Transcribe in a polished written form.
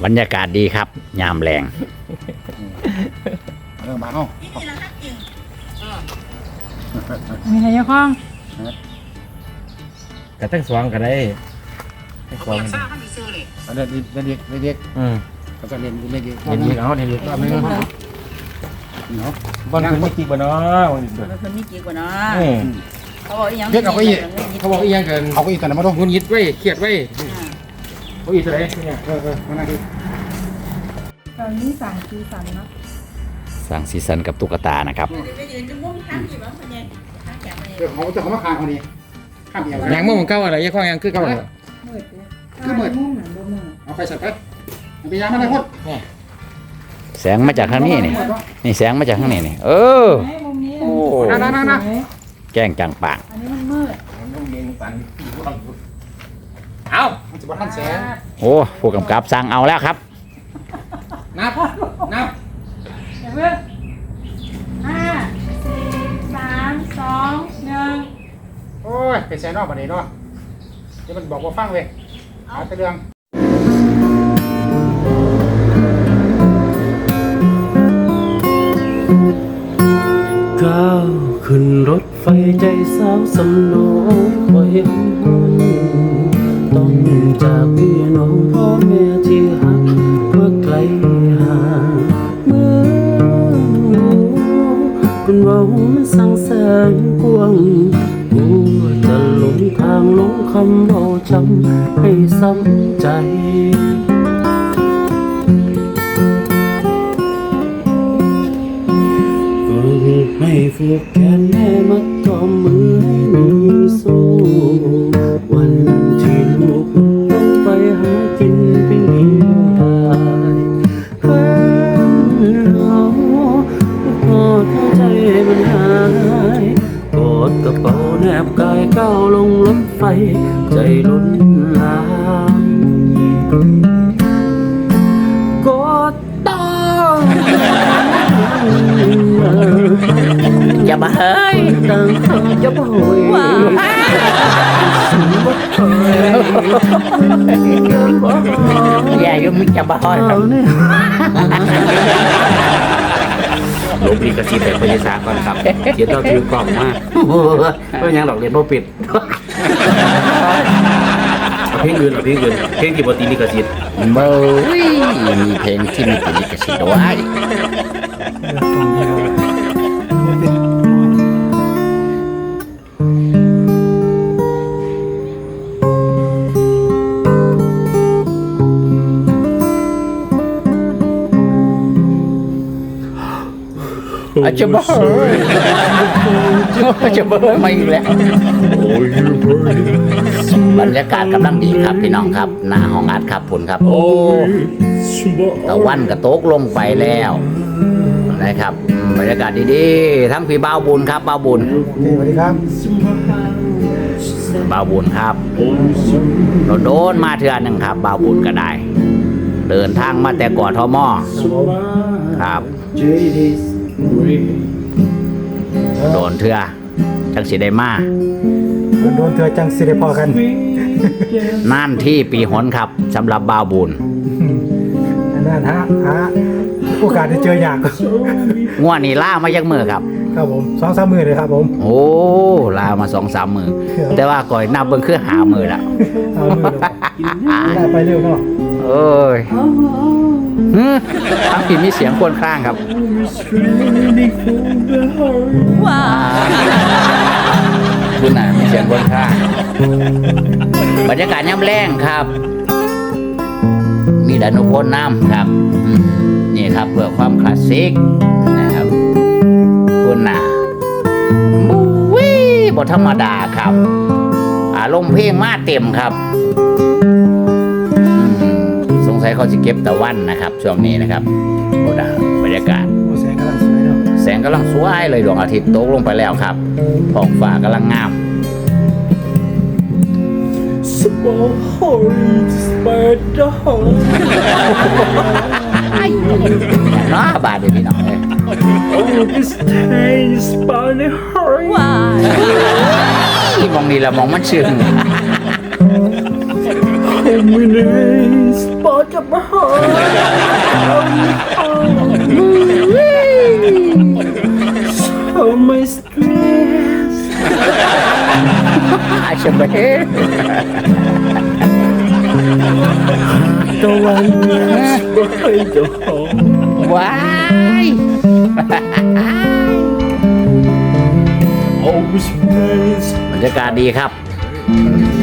บรรยากาศดีครับยามแรงเรื่องมาเนาะมีอะไรยังข้องกระตั้งสว่างก็ได้ทั้งสว่างเด็กเด็กเขาจะเรียนเด็กเห็นอีกเอาเห็นอีกรอบนึงเนาะบ้านคนไม่กี่บ้านเนาะคนนี้กี่กว่าเนาะเขาบอกอีกอย่างเด็กเอาไปอีกเขาบอกอีกอย่างกันเอาไปอีกกันนะมาดูงุนยิดไว้เครียดไว้เขาอีกอะไรเนี่ยมาหน้าที่ตอนนี้สั่งคือสั่งเนาะสั่งซีซันกับตุ๊กตานะครับเขาจะเขามาคางคนนี้ข้ามเอียงยางม่วงเก้าอะไรยังข้อยางคือเก้าอะไรคือเหมือนมุ่งหนังโดนมือเอาไปใส่ไปไปยางมาได้หมดแสงมาจากข้างนี้นี่แสงมาจากข้างนี้นี่โอ้แจ้งจังปางอันนี้มันมืดเอามันจะมาท่านแสงโอ้ผู้กำกับสั่งเอาแล้วครับนับอย่าเพิ่ง5 4 3 2 1 โอ้ยเป็นแสงนอกประเดี๋ยวเนาะเดี๋ยวมันบอกว่าฟังเลยหาแต่เรื่องก้าวขึ้นรถไฟใจสาวสำนองบ่เห็นต้องจากพี่น้องพ่อแม่ที่หักเพื่อไกลห่างเมื่อเป็นว่ามันสั่งแสนกว้างกูจะหลงทางหลงคำเราจำให้ซ้ำใจให้ฟูกแขนแม่มัดกอมมือให้มีสู้วันที่ลูกต้องไปหากินเป็นเดียวได้เพื่อนเราพอใจมันหายกอดกระเป๋าแนบกายก้าวลงรถไฟใจล้นลามกอดต้องอย่ามาเฮ้ยอย่าบ่อยอย่ายุ่งมิจะบ้าครับลบลิขสิทธิ์แต่พยาศาสตร์ก่อนครับเดี๋ยวเราถือกล่องมาเพื่อยังหลอกเรียนโมปิดเพลงอื่นเพลงที่ปกติลิขสิทธิ์เบอร์มีเพลงที่มีลิขสิทธิ์ด้วยอาจจะเบอร์มาอีกแล้วบรรยากาศกำลังดีครับพี่น้องครับหน้าห้องอัดครับผลครับโอ้ตะวันกระตกลงไปแล้วนะครับบรรยากาศดีๆทั้งพี่บ่าวบุญครับบ่าวบุญสวัสดีครับบ่าวบุญครับเราโดนมาเทื่อนึงครับบ่าวบุญก็ได้เดินทางมาแต่ก่อนทมครับโดนเถื่อจังสิได้มาโดนเธอจังสิได้พอกันนั่นที่ปีหนครับสำหรับบ่าวบุญนั่นฮะโอกาสได้เจออยากง่วนี่ล่ามายักมือครับครับผม2-3 มือเลยครับผมโอ้ลามา 2-3 มือแต่ว่าก่อยนับเบิ่งคือหามือละไปเร็วเนาะเอ้ยทั้งที่มีเสียงควนข้างครับว้าวคุณน่ะมีเสียงควนข้างบรรยากาศย่ำแรงครับมีดานุพลน้ำครับนี่ครับเพื่อความคลาสสิกนะครับคุณน่ะบุ้ยบทธรรมดาครับอารมณ์เพลงมาเต็มครับสงสัยเขาจะเก็บตะวันนะครับช่วงนี้นะครับโอ้ดาบรรยากาศแสงกำลังสวยเลยดวงอาทิตย์ตกลงไปแล้วครับท้องฟ้ากำลังงามน้าบาดเลยพี่น้องเลยมองนี่ละมองมันชื่นมือในสปอร์ตกับมาหอยใช่ไหมตะวันบ่เคยเจ้าของว้ายเอาไปใช้บรรยากาศดีครับ